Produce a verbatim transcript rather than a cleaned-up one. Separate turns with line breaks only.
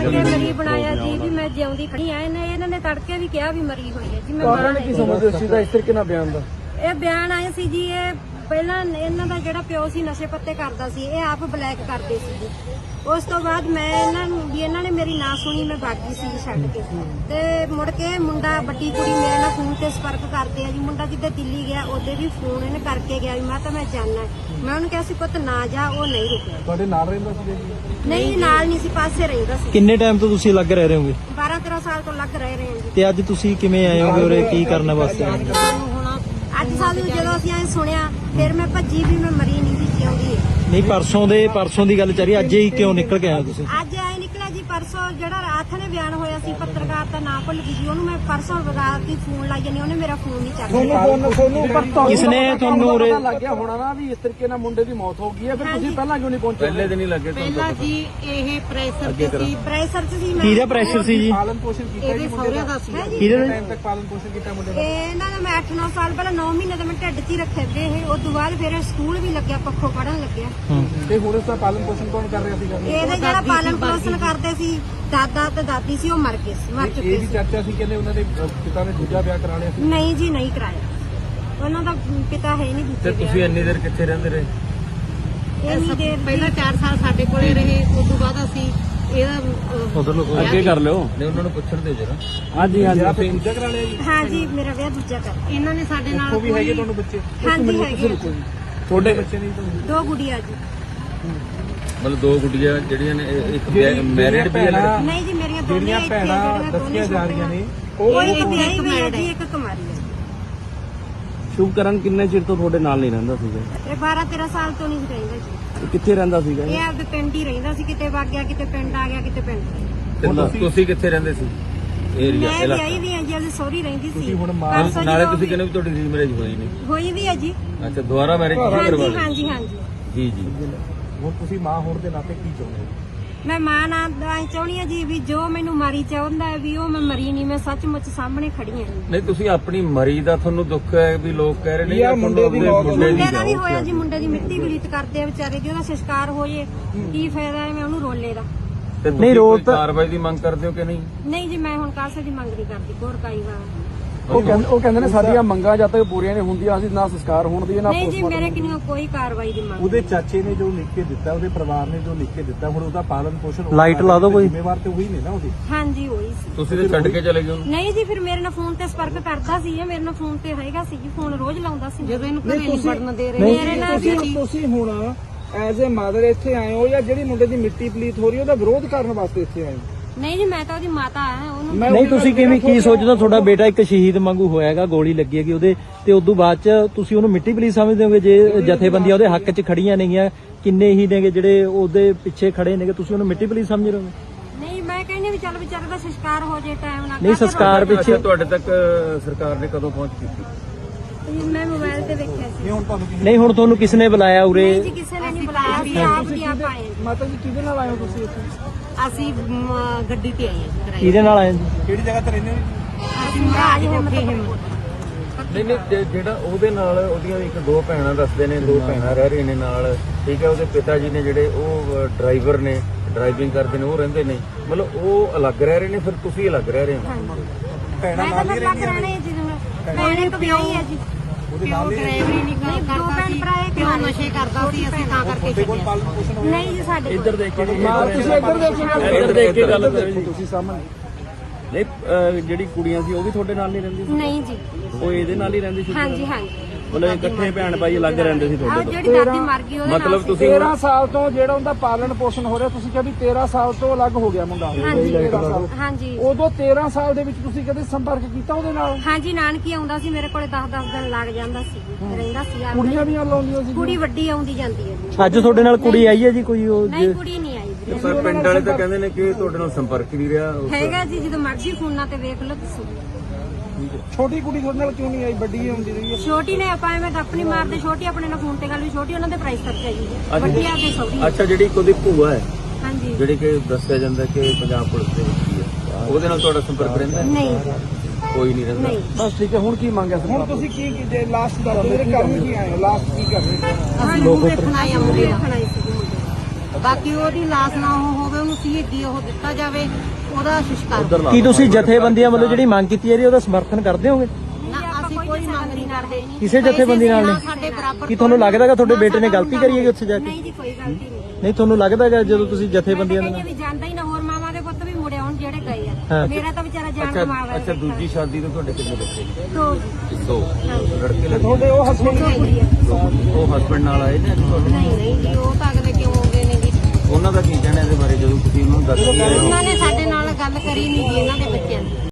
ਤੜਕੇ ਮਰੀ ਬਣਾਇਆ ਜੀ ਵੀ ਮੈਂ ਜਿਉਂਦੀ ਖੜੀ ਆ। ਇਹਨੇ ਇਹਨਾਂ ਨੇ ਤੜਕੇ ਵੀ ਕਿਹਾ ਵੀ ਮਰੀ ਹੋਈ ਹੈ ਜੀ। ਮੈਂ
ਕਾਰਨ ਕੀ ਸਮਝਦੇ ਸੀ ਦਾ ਇਸ ਤਰੀਕੇ ਨਾਲ ਬਿਆਨ ਦਾ?
ਇਹ ਬਿਆਨ ਆਏ ਸੀ ਜੀ, ਇਹ ਪਹਿਲਾਂ ਇਹਨਾਂ ਦਾ ਜਿਹੜਾ ਪਿਓ ਸੀ ਨਸ਼ੇ ਪੱਤੇ ਕਰਦਾ ਸੀ, ਇਹ ਆਪ ਬਲੈਕ ਕਰਦੇ ਸੀ ਜੀ। ਉਸ ਤੋਂ ਬਾਅਦ ਮੈਂ ਇਹਨਾਂ ਨੂੰ ਵੀ ਇਹਨਾਂ ਨੇ ਮੇਰੀ ਨਾ ਸੁਣੀ, ਮੈਂ ਬਾਗੀ ਸੀ ਛੱਡ ਕੇ। ਤੇ ਮੁੜ ਕੇ ਮੁੰਡਾ ਵੱਡੀ ਕੁੜੀ ਮੇਰੇ ਨਾਲ ਫੋਨ ਤੇ ਸੰਪਰਕ ਕਰਦੇ ਆ ਜੀ। ਮੁੰਡਾ ਜਿੱਦੇ ਦਿੱਲੀ ਗਿਆ ਉਹਦੇ ਵੀ ਫੋਨ ਇਹਨੇ ਕਰਕੇ ਗਿਆ ਵੀ ਮੈਂ ਤਾਂ ਮੈਂ ਜਾਣਾ। ਮੈਂ ਉਹਨੂੰ ਕਿਹਾ ਸੀ ਪੁੱਤ ਨਾ ਜਾ, ਉਹ ਨਹੀਂ ਰੁਕਿਆ।
ਤੁਹਾਡੇ ਨਾਲ ਰਹਿੰਦਾ ਸੀ ਜੀ?
ਨਹੀਂ ਨਾਲ ਨਹੀਂ ਸੀ, ਪਾਸੇ ਰਹਿੰਦਾ ਸੀ।
ਕਿੰਨੇ ਟਾਈਮ ਤੋਂ ਤੁਸੀਂ ਲੱਗ ਰਹੇ ਹੋਗੇ?
ਬਾਰਾਂ ਤੇਰਾਂ ਸਾਲ ਤੋਂ ਲੱਗ ਰਹੇ ਰਹੇ ਹਾਂ ਜੀ।
ਤੇ ਅੱਜ ਤੁਸੀਂ ਕਿਵੇਂ ਆਏ ਹੋਗੇ ਉਰੇ, ਕੀ ਕਰਨ ਵਾਸਤੇ ਆਏ?
ਅੱਜ ਸਾਨੂੰ ਜਦੋਂ ਅਸੀਂ ਐ ਸੁਣਿਆ ਫਿਰ ਮੈਂ ਭੱਜੀ ਵੀ ਮੈਂ ਮਰੀ ਨਹੀਂ ਸੀ, ਜਿਉਂਦੀ ਹੈ।
ਨਹੀਂ ਪਰਸੋਂ ਦੇ ਪਰਸੋਂ ਦੀ ਗੱਲ ਚੱਲ ਰਹੀ, ਅੱਜ ਹੀ ਕਿਉਂ ਨਿਕਲ ਕੇ ਆਏ ਤੁਸੀਂ?
ਅੱਜ ਐ ਨਿਕਲਿਆ ਜੀ ਪਰਸੋਂ ਜਿਹੜਾ ਰਾਤ ਨੇ ਬਿਆਨ ਹੋਇਆ ਸੀ, ਪੱਤਰਕਾਰ ਦਾ ਨਾਂ ਭੁੱਲ ਗਈ ਜੀ ਉਹਨੂੰ। ਮੈਂ ਪਰਸੋਂ ਰਾਤ ਦੀ ਫੋਨ ਲਾਈ ਜਾਨੀ, ਉਹਨੇ ਮੇਰਾ ਫੋਨ ਨਹੀਂ ਚੱਕਿਆ।
ਕਿਸਨੇ ਤੁਹਾਨੂੰ ਉਰੇ
ਲੱਗ ਗਿਆ ਹੋਣਾ ਨਾ ਵੀ ਇਸ ਤਰੀਕੇ ਨਾਲ ਮੁੰਡੇ ਦੀ ਮੌਤ ਹੋ ਗਈ ਹੈ, ਫਿਰ ਤੁਸੀਂ ਪਹਿਲਾਂ ਕਿਉਂ ਨਹੀਂ ਪਹੁੰਚੇ?
ਪਹਿਲੇ ਦਿਨ ਹੀ ਲੱਗੇ
ਪਹਿਲਾਂ ਜੀ ਇਹ ਪ੍ਰੈਸ਼ਰ ਤੇ ਸੀ,
ਪ੍ਰੈਸ਼ਰ ਚ ਸੀ ਮੈਂ।
ਕਿਹਦਾ ਪ੍ਰੈਸ਼ਰ ਸੀ ਜੀ?
ਪਾਲਣ ਪੋਸ਼ਣ ਕੀਤਾ
ਇਹਦੇ ਸਹੁਰਿਆਂ ਦਾ ਸੀ।
ਕਿਹਦੇ
ਟਾਈਮ ਤੱਕ ਪਾਲਣ ਪੋਸ਼ਣ ਕੀਤਾ ਮੁੰਡੇ ਦਾ?
ਇਹਨਾਂ ਦਾ ਮੈਂ ਅੱਠ ਨੌ ਸਾਲ ਪਹਿਲਾਂ ਨੌ ਮਹੀਨੇ ਦਾ ਮੈਂ ਢਿੱਡ 'ਚ ਹੀ ਰੱਖੇ ਵੇ ਇਹ। ਉਸ ਤੋਂ ਬਾਅਦ ਫਿਰ ਸਕੂਲ ਵੀ ਲੱਗਿਆ, ਪੱਖੋਂ ਪੜਨ ਲੱਗਿਆ।
ਤੇ ਹੁਣ ਉਸ ਦਾ ਪਾਲਣ ਪੋਸ਼ਣ ਕੌਣ ਕਰ ਰਿਹਾ ਸੀਗਾ?
ਇਹਦੇ ਜਿਹੜਾ ਪਾਲਣ ਪੋਸ਼ਣ ਕਰਦੇ ਸੀ ਦਾਦਾ ਤੇ ਦਾਦੀ ਸੀ, ਉਹ ਮਰ ਗਏ ਸੀ, ਮਰ ਚੁੱਕੇ
ਇਹ ਵੀ
ਸੀ।
ਚਰਚਾ ਸੀ ਕਹਿੰਦੇ ਉਹਨਾਂ ਦੇ ਪਿਤਾ ਨੇ ਦੂਜਾ ਵਿਆਹ ਕਰਾ ਲਿਆ ਸੀ।
ਨਹੀਂ ਜੀ ਨਹੀਂ ਕਰਾਇਆ, ਉਹਨਾਂ ਦਾ ਪਿਤਾ ਹੈ ਨਹੀਂ
ਤੇ
ਦੂਜੇ
ਤੁਸੀਂ ਇੰਨੀ ਦੇਰ ਕਿੱਥੇ ਰਹਿੰਦੇ ਰਹੇ?
ਇੰਨੀ ਦੇਰ
ਪਹਿਲਾਂ ਚਾਰ ਸਾਲ ਸਾਡੇ ਕੋਲੇ ਰਹੇ, ਉਸ ਤੋਂ ਬਾਅਦ ਅਸੀਂ ਇਹਦਾ
ਉਧਰ ਲੋਕ
ਅੱਗੇ ਕਰ ਲਿਓ। ਨਹੀਂ ਉਹਨਾਂ ਨੂੰ ਪੁੱਛਣ ਦਿਓ ਜਰਾ।
ਹਾਂਜੀ ਹਾਂਜੀ ਆਪੇ ਦੂਜਾ ਕਰਾ ਲਿਆ ਜੀ?
ਹਾਂ ਜੀ, ਮੇਰਾ ਵਿਆਹ ਦੂਜਾ ਕਰ।
ਇਹਨਾਂ ਨੇ ਸਾਡੇ ਨਾਲ
ਉਹ ਵੀ ਹੈਗੇ ਤੁਹਾਨੂੰ ਬੱਚੇ?
ਹਾਂਜੀ ਹੈਗੇ ਆ।
ਤੁਹਾਡੇ ਬੱਚੇ ਨਹੀਂ ਤੁਹਾਨੂੰ?
ਦੋ ਗੁੜੀਆਂ ਜੀ।
ਮਤਲਬ ਦੋ ਗੁੱਡੀਆਂ ਜਿਹੜੀਆਂ ਨੇ, ਇਹ ਇੱਕ ਮੈਰਿਡ ਵੀ ਹੈ ਲੜਕੀ?
ਨਹੀਂ ਜੀ ਮੇਰੀਆਂ ਦੋਨੇ
ਜਿਹੜੀਆਂ
ਇੱਥੇ
ਭੈਣਾਂ
ਜਿਹੜੀਆਂ
ਦੱਸੀਆਂ ਜਾ ਰਹੀਆਂ ਨੇ
ਉਹ ਇੱਕ ਵਿਆਹੀ ਹੋਈ ਹੈ ਜੀ, ਇੱਕ ਕੁਮਾਰੀ ਹੈ।
ਸ਼ੁਭਕਰਨ ਕਿੰਨੇ ਚਿਰ ਤੋਂ ਤੁਹਾਡੇ ਨਾਲ ਨਹੀਂ ਰਹਿੰਦਾ ਸੀਗਾ?
ਇਹ ਬਾਰਾਂ ਤੇਰਾਂ ਸਾਲ ਤੋਂ ਨਹੀਂ ਰਹਿੰਦਾ ਜੀ।
ਕਿੱਥੇ ਰਹਿੰਦਾ ਸੀਗਾ?
ਇਹ ਆਪਦੇ ਪਿੰਡ ਹੀ ਰਹਿੰਦਾ ਸੀ, ਕਿਤੇ ਵਗ ਗਿਆ, ਕਿਤੇ ਪਿੰਡ ਆ ਗਿਆ, ਕਿਤੇ ਪਿੰਡ।
ਤੇ ਤੁਸੀਂ- ਤੁਸੀਂ ਕਿੱਥੇ ਰਹਿੰਦੇ ਸੀ? ਏਰੀਆ
ਮੈਂ
ਇਲਾਕਾ?
ਵਿਆਹੀ ਵੀ ਹਾਂ ਜੀ, ਆਪਦੀ ਸਹੁਰੀ ਰਹਿੰਦੀ ਸੀ।
ਹੁਣ
ਪਰਸੋਂ
ਨਾਲੇ
ਜਦੋਂ
ਤੁਸੀਂ ਕਹਿੰਦੇ ਵੀ ਤੁਹਾਡੀ ਰੀਮੈਰਿਜ ਹੋਈ ਨਹੀਂ?
ਹੋਈ ਵੀ ਹੈ ਜੀ।
ਅੱਛਾ, ਦੁਬਾਰਾ ਮੈਰਿਜ ਕਰਵਾ
ਹਾਂਜੀ
ਲਈ?
ਹਾਂਜੀ ਹਾਂਜੀ।
ਜੀ ਜੀ।
ਹੁਣ ਤੁਸੀਂ ਮਾਂ ਹੋਣ ਦੇ ਨਾਤੇ ਕੀ ਚਾਹੁੰਦੇ ਹੋ?
ਮੈਂ ਮਾਂ ਨਾਲ ਐਂ ਚਾਹੁੰਦੀ ਹਾਂ ਜੀ ਵੀ ਜੋ ਮੈਨੂੰ ਮਾਰੀ ਚਾਹੁੰਦਾ ਹੈ ਵੀ ਉਹ ਮੈਂ ਮਰੀ ਨਹੀਂ, ਮੈਂ ਸੱਚਮੁੱਚ ਸਾਹਮਣੇ ਖੜੀ ਹਾਂ ਜੀ।
ਨਹੀਂ ਤੁਸੀਂ ਆਪਣੀ ਮਰੀ ਦਾ ਤੁਹਾਨੂੰ ਦੁੱਖ ਹੈ ਵੀ ਲੋਕ ਕਹਿ ਰਹੇ ਨੇ
ਯਾਰ ਮੁੰਡੇ ਦੀ ਮੌਤ
ਮੁੰਡੇ
ਮੁੰਡੇ ਦਾ ਵੀ
ਜਾਓ।
ਹੋਇਆ ਜੀ, ਮੁੰਡੇ ਦੀ ਮਿੱਟੀ ਬਲੀਤ ਕਰਦੇ ਆ ਵਿਚਾਰੇ ਦੀ, ਉਹਦਾ ਸੰਸਕਾਰ ਹੋ ਜੇ ਕੀ ਫਾਇਦਾ ਹੈ ਮੈਂ ਉਹਨੂੰ ਰੋਲੇ ਦਾ।
ਤੇ
ਨਹੀਂ,
ਤੁਸੀਂ
ਰੋਲ
ਕੋਈ
ਤਾਂ-
ਕਾਰਵਾਈ ਦੀ ਮੰਗ ਕਰਦੇ ਹੋ ਕਿ ਨਹੀਂ?
ਨਹੀਂ ਜੀ, ਮੈਂ ਹੁਣ ਕਾਸੇ ਦੀ ਮੰਗ ਨਹੀਂ ਕਰਦੀ, ਹੋਰ ਕਾਈ ਵਾ।
ਉਹ ਕਹਿੰਦੇ ਉਹ ਕਹਿੰਦੇ ਨੇ ਸਾਡੀਆਂ ਮੰਗਾਂ ਜਦ ਤੱਕ ਪੂਰੀਆਂ ਨਹੀਂ ਹੁੰਦੀਆਂ ਅਸੀਂ ਨਾ ਸੰਸਕਾਰ ਹੋਣ ਦੀ ਨਾ
ਨਹੀਂ ਜੀ,
ਪੋਸਟਮਾਰਟਮ।
ਮੇਰੇ ਕਿੰਨੀ ਕੋਈ ਕਾਰਵਾਈ ਦੀ ਮੰਗ।
ਉਹਦੇ ਚਾਚੇ ਨੇ ਜੋ ਲਿਖ ਕੇ ਦਿੱਤਾ, ਉਹਦੇ ਪਰਿਵਾਰ ਨੇ ਜੋ ਲਿਖ ਕੇ ਦਿੱਤਾ, ਹੁਣ ਉਹਦਾ ਪਾਲਣ ਪੋਸ਼ਣ
ਲਾਈਟ ਲਾ ਦਿਓ ਕੋਈ।
ਜ਼ਿੰਮੇਵਾਰ ਤੇ ਉਹੀ ਨੇ ਨਾ ਉਹਦੀ।
ਹਾਂਜੀ ਹੋਈ ਸੀ।
ਤੁਸੀਂ ਤੇ ਛੱਡ ਕੇ ਚਲੇ ਗਏ ਉਹਨੂੰ?
ਨਹੀਂ ਜੀ, ਫਿਰ ਮੇਰੇ ਨਾਲ ਫੋਨ ਤੇ ਸੰਪਰਕ ਕਰਦਾ ਸੀ, ਇਹ ਮੇਰੇ ਨਾਲ ਫੋਨ ਤੇ ਹੈਗਾ ਸੀ ਜੀ, ਫੋਨ ਰੋਜ਼ ਲਾਉਂਦਾ ਸੀ।
ਜਦੋਂ ਇਹਨੂੰ ਘਰੇ ਨਹੀਂ ਵੜਨ ਦੇ ਰਹੇ,
ਮੇਰੇ ਨਾਲ ਵੀ
ਤੁਸੀਂ ਤੁਸੀਂ ਹੁਣ ਐਜ਼ ਅ ਮਦਰ ਇੱਥੇ ਆਏ ਹੋ ਜਾਂ ਜਿਹੜੀ ਮੁੰਡੇ ਦੀ ਮਿੱਟੀ ਪਲੀਤ ਹੋ ਰਹੀ ਉਹਦਾ ਵਿਰੋਧ ਕਰਨ ਵਾਸਤੇ ਇੱਥੇ ਆਏ ਹੋ?
ਨਹੀਂ ਜੀ, ਮੈਂ ਤਾਂ ਉਹਦੀ ਮਾਤਾ ਆ ਉਹਨੂੰ।
ਨਹੀਂ ਤੁਸੀਂ ਕਿਵੇਂ ਕੀ ਸੋਚਦੇ ਹੋ? ਤੁਹਾਡਾ ਬੇਟਾ ਇੱਕ ਸ਼ਹੀਦ ਵਾਂਗੂ ਹੋਇਆਗਾ, ਗੋਲੀ ਲੱਗੀ ਹੈਗੀ ਉਹਦੇ ਤੇ, ਉਦੋਂ ਬਾਅਦ ਚ ਤੁਸੀਂ ਉਹਨੂੰ ਮਿੱਟੀ ਪਲੀਤ ਸਮਝਦੇ ਹੋਗੇ? ਜੇ ਜਥੇਬੰਦੀਆਂ ਉਹਦੇ ਹੱਕ ਚ ਖੜੀਆਂ ਨੇਗੀਆਂ, ਕਿੰਨੇ ਹੀ ਨੇਗੇ ਜਿਹੜੇ ਉਹਦੇ ਪਿੱਛੇ ਖੜੇ ਨੇਗੇ, ਤੁਸੀਂ ਉਹਨੂੰ ਮਿੱਟੀ ਪਲੀਤ ਸਮਝ ਰਹੇ ਹੋ?
ਨਹੀਂ, ਮੈਂ ਕਹਿੰਦੀ ਵੀ ਚੱਲ ਵਿਚਾਰੇ ਦਾ ਸੰਸਕਾਰ ਹੋ ਜੇ ਟਾਈਮ ਨਾਲ।
ਨਹੀਂ, ਸੰਸਕਾਰ ਪਿੱਛੇ
ਅੱਛਾ, ਤੁਹਾਡੇ ਤੱਕ ਸਰਕਾਰ ਨੇ ਕਦੋਂ ਪਹੁੰਚ ਕੀਤੀ?
ਮੈਂ ਮੋਬਾਈਲ ਤੇ ਵੇਖਿਆ ਸੀ।
ਹੁਣ ਤੁਹਾਨੂੰ ਕਿਸੇ
ਨਹੀਂ, ਹੁਣ ਤੁਹਾਨੂੰ ਕਿਸ ਨੇ ਬੁਲਾਇਆ ਉਰੇ?
ਨਹੀਂ ਜੀ, ਕਿਸੇ ਨੇ ਨਹੀਂ ਬੁਲਾਇਆ ਸੀ, ਆਪ ਦੀ ਆਪ ਆਏ ਜੀ।
ਮਾਤਾ ਜੀ ਕਿਹਦੇ ਨਾਲ ਆਏ ਹੋ ਤੁਸੀਂ ਇੱਥੇ?
ਅਸੀਂ ਮ, ਗੱਡੀ ਤੇ ਆਏ ਹਾਂ ਜੀ ਕਿਰਾਏ
ਕਿਹਦੇ ਨਾਲ ਆਏ ਜੀ?
ਕਿਹੜੀ ਜਗ੍ਹਾ ਤੇ ਰਹਿੰਦੇ ਹੋ?
ਅਸੀਂ ਮਹਾਰਾਜ ਹਿੰਮਤ
ਨਹੀਂ ਨਹੀਂ, ਜੇ- ਜਿਹੜਾ ਉਹਦੇ ਨਾਲ ਉਹਦੀਆਂ ਇੱਕ ਦੋ ਭੈਣਾਂ ਦੱਸਦੇ ਨੇ, ਦੋ ਭੈਣਾਂ ਰਹਿ ਰਹੀਆਂ ਨੇ ਨਾਲ, ਠੀਕ ਹੈ। ਉਹਦੇ ਪਿਤਾ ਜੀ ਨੇ ਜਿਹੜੇ ਉਹ ਡਰਾਈਵਰ ਨੇ, ਡਰਾਈਵਿੰਗ ਕਰਦੇ ਨੇ, ਉਹ ਰਹਿੰਦੇ ਨੇ, ਮਤਲਬ ਉਹ ਅਲੱਗ ਰਹਿ ਰਹੇ ਨੇ, ਫਿਰ ਤੁਸੀਂ ਅਲੱਗ ਰਹਿ ਰਹੇ ਹੋ?
ਭੈਣਾਂ
ਮੈਂ ਤਾਂ
ਨਾਲ ਹੀ
ਲੱਗ
ਰਹਿੰਦੀਆਂ
ਰਹਿਣੇ ਜੀ ਨੂੰ। ਭੈਣ ਇੱਕ ਵਿਆਹੀ ਹੈ ਜੀ।
ਉਹਦੇ ਨਾਲ ਹੀ
ਡਰਾਈਵਰੀ ਨਹੀਂ
ਨਹੀਂ, ਦੋ
ਕਰਦਾ
ਭੈਣ
ਸੀ,
ਭਰਾ ਇੱਕ
ਪਿਓ ਨਸ਼ੇ ਕਰਦਾ ਸੀ, ਅਸੀਂ ਤਾਂ ਕਰਕੇ
ਤੁਹਾਡੇ ਕੋਲ
ਛੱਡਿਆ।
ਪਾਲਣ ਪੋਸ਼ਣ ਹੋਇਆ?
ਨਹੀਂ ਜੀ, ਸਾਡੇ ਕੋਲ।
ਇੱਧਰ ਦੇਖ ਕੇ
ਮਾਂ ਤੁਸੀਂ ਇੱਧਰ ਦੇਖੋ,
ਇੱਧਰ ਦੇਖ ਕੇ ਗੱਲ ਕਰੋ ਜੀ।
ਤੁਸੀਂ ਸਾਹਮਣੇ।
ਨਹੀਂ ਅਹ ਜਿਹੜੀ ਕੁੜੀਆਂ ਸੀ ਉਹ ਵੀ ਤੁਹਾਡੇ ਨਾਲ ਨਹੀਂ ਰਹਿੰਦੀ ਸੀ?
ਨਹੀਂ ਜੀ।
ਉਹ ਇਹਦੇ ਨਾਲ ਹੀ ਰਹਿੰਦੀ ਸੀ?
ਹਾਂਜੀ ਹਾਂਜੀ।
ਮਤਲਬ ਇਕੱਠੇ ਭੈਣ ਭਾਈ ਅਲੱਗ ਰਹਿੰਦੇ ਸੀ
ਆਹ
ਤੁਹਾਡੇ ਤੋਂ?
ਜਿਹੜੀ ਦਾਦੀ ਮਰ ਗਈ ਉਹਦੇ ਨਾਲ
ਮਤਲਬ
ਸੀ।
ਤੁਸੀਂ
ਤੇਰਾਂ ਸਾਲ ਤੋਂ ਜਿਹੜਾ ਉਹਦਾ ਪਾਲਣ ਪੋਸ਼ਣ ਹੋ ਰਿਹਾ, ਤੁਸੀਂ ਕਿਹਾ ਵੀ ਤੇਰਾਂ ਸਾਲ ਤੋਂ ਅਲੱਗ ਹੋ ਗਿਆ ਮੁੰਡਾ।
ਹਾਂਜੀ
ਤੇਰਾਂ ਸਾਲ।
ਹਾਂਜੀ
ਉਦੋਂ ਤੇਰਾਂ ਸਾਲ ਦੇ ਵਿੱਚ ਤੁਸੀਂ ਕਦੇ ਸੰਪਰਕ ਕੀਤਾ ਉਹਦੇ ਨਾਲ?
ਹਾਂਜੀ, ਨਾਨਕੀ ਆਉਂਦਾ ਸੀ ਮੇਰੇ ਕੋਲੇ, ਦਸ ਦਸ ਦਿਨ ਲੱਗ ਜਾਂਦਾ ਸੀ, ਰਹਿੰਦਾ ਸੀ ਆ।
ਕੁੜੀਆਂ ਵੀ ਲਾਉਂਦੀਆਂ ਸੀ?
ਕੁੜੀ ਵੱਡੀ ਆਉਂਦੀ ਜਾਂਦੀ ਹੈ ਜੀ।
ਅੱਜ ਤੁਹਾਡੇ ਨਾਲ ਕੁੜੀ ਆਈ ਹੈ ਜੀ ਕੋਈ? ਉਹ
ਨਹੀਂ, ਕੁੜੀ ਨਹੀਂ ਆਈ ਜੀ।
ਪਰ ਪਿੰਡ ਵਾਲੇ ਤਾਂ ਕਹਿੰਦੇ ਨੇ ਕਿ ਤੁਹਾਡੇ ਨਾਲ ਸੰਪਰਕ ਨਹੀਂ ਰਿਹਾ।
ਹੈਗਾ ਜੀ, ਜਦੋਂ ਮਰਜ਼ੀ ਫੋਨਾਂ ਤੇ ਵੇਖ ਲਓ ਤੁਸੀਂ।
ਛੋਟੀ ਕੁੜੀ ਤੁਹਾਡੇ ਨਾਲ ਕਿਉਂ ਨਹੀਂ ਆਈ? ਵੱਡੀ ਆਉਂਦੀ ਰਹੀ ਹੈ।
ਛੋਟੀ ਨੇ ਆਪਾਂ ਐਵੇਂ ਗੱਪ ਨਹੀਂ ਮਾਰਦੇ, ਛੋਟੀ ਆਪਣੇ ਨਾਲ ਫੋਨ ਤੇ ਗੱਲ ਵੀ, ਛੋਟੀ ਉਹਨਾਂ ਦੇ ਪ੍ਰਾਈਸ ਕਰਕੇ ਆਈ ਹੈ, ਵੱਡੀ ਆ ਕੇ ਸੌਦੀ।
ਅੱਛਾ, ਜਿਹੜੀ ਉਹਦੀ ਭੂਆ ਹੈ,
ਹਾਂਜੀ।
ਜਿਹੜੀ ਕਿ ਦੱਸਿਆ ਜਾਂਦਾ ਕਿ ਪੰਜਾਬ ਪੁਲਿਸ ਦੇ ਵਿੱਚ ਹੀ ਹੈ, ਉਹਦੇ ਨਾਲ ਤੁਹਾਡਾ ਸੰਪਰਕ ਰਹਿੰਦਾ ਹੈ?
ਨਹੀਂ
ਕੋਈ ਨਹੀਂ ਰਹਿੰਦਾ?
ਨਹੀਂ।
ਬਸ ਠੀਕ ਹੈ। ਹੁਣ ਕੀ ਮੰਗਿਆ ਹੁਣ ਤੁਸੀਂ ਕੀ ਜੇ ਲਾਸਟ ਦੱਸੋ, ਮੇਰੇ ਕੰਮ ਕੀ ਆਏ ਹੋ? ਲਾਸਟ ਕੀ ਕਰ ਰਹੇ ਹੋ?
ਅਸੀਂ ਲੋਕ ਵੇਖਣ ਆਏ ਆ, ਮੁੰਡੇ ਵੇਖਣ ਆਏ ਸੀ ਮੁੰਡੇ।
ਬਾਕੀ ਉਹਦੀ ਲਾਸ਼ ਨਾ ਉਹ ਹੋਵੇ, ਉਹਨੂੰ ਸ਼ਹੀਦੀ ਉਹ ਦਿੱਤਾ ਜਾਵੇ, ਉਹਦਾ ਸੰਸਕਾਰ।
ਕੀ ਤੁਸੀਂ ਜਥੇਬੰਦੀਆਂ ਵੱਲੋਂ ਜਿਹੜੀ ਮੰਗ ਕੀਤੀ ਜਾ ਰਹੀ ਹੈ ਉਹਦਾ ਸਮਰਥਨ ਕਰਦੇ ਹੋਗੇ?
ਨਾ ਅਸੀਂ ਕੋਈ ਮੰਗ ਨਹੀਂ ਕਰਦੇ
ਕਿਸੇ ਜਥੇਬੰਦੀ ਨਾਲ ਨਹੀਂ?
ਸਾਡੇ ਬਰਾਬਰ।
ਕੀ ਤੁਹਾਨੂੰ ਲੱਗਦਾ ਕਿ ਤੁਹਾਡੇ ਬੇਟੇ ਨੇ ਗਲਤੀ ਕਰੀ ਹੈ ਉੱਥੇ ਜਾ ਕੇ?
ਨਹੀਂ ਜੀ, ਕੋਈ ਗਲਤੀ ਨਹੀਂ।
ਨਹੀਂ, ਤੁਹਾਨੂੰ ਲੱਗਦਾ ਹੈ ਜਦੋਂ ਤੁਸੀਂ ਜਥੇਬੰਦੀਆਂ ਦੇ
ਕਹਿੰਦੇ
ਨਾਲ?
ਵੀ ਜਾਂਦਾ ਹੀ ਨਾ, ਹੋਰ ਮਾਵਾਂ ਦੇ ਪੁੱਤ ਵੀ ਮੁੜੇ ਆਉਣ ਜਿਹੜੇ ਗਏ
ਹਾਂ।
ਆ। ਮੇਰਾ ਤਾਂ ਵਿਚਾਰਾ ਜਾਨ
ਅੱਛਾ
ਕਮਾਵਾ
ਅੱਛਾ ਦੂਜੀ ਸ਼ਾਦੀ ਤੋਂ ਤੁਹਾਡੇ ਕਿੰਨੇ ਬੱਚੇ ਨੇ?
ਦੋ
ਦੋ ਲੜਕੇ ਲੱਗੇ।
ਤੁਹਾਡੇ ਉਹ ਹਸਬੰਡ
ਦੋ ਕੁੜੀਆਂ।
ਉਹ ਹਸਬੰਡ ਨਾਲ ਆਏ ਨੇ ਤੁਹਾਡੇ?
ਨਹੀਂ ਨਹੀਂ ਜੀ, ਉਹ ਤਾਂ ਅਗਲੇ ਕਿਉਂ ਹੋ ਗਏ ਨੇ ਜੀ।
ਉਹਨਾਂ ਦਾ ਕੀ ਕਹਿਣਾ ਇਹਦੇ ਬਾਰੇ ਜਦੋਂ ਤੁਸੀਂ ਉਹਨੂੰ ਦੱਸ ਕੇ ਆਏ ਹੋ?
ਉਹਨਾਂ ਨੇ ਸਾਡੇ ਨਾਲ ਗੱਲ ਕਰੀ ਨਹੀਂ ਜੀ ਇਹਨਾਂ ਦੇ ਬੱਚਿਆਂ ਦੀ।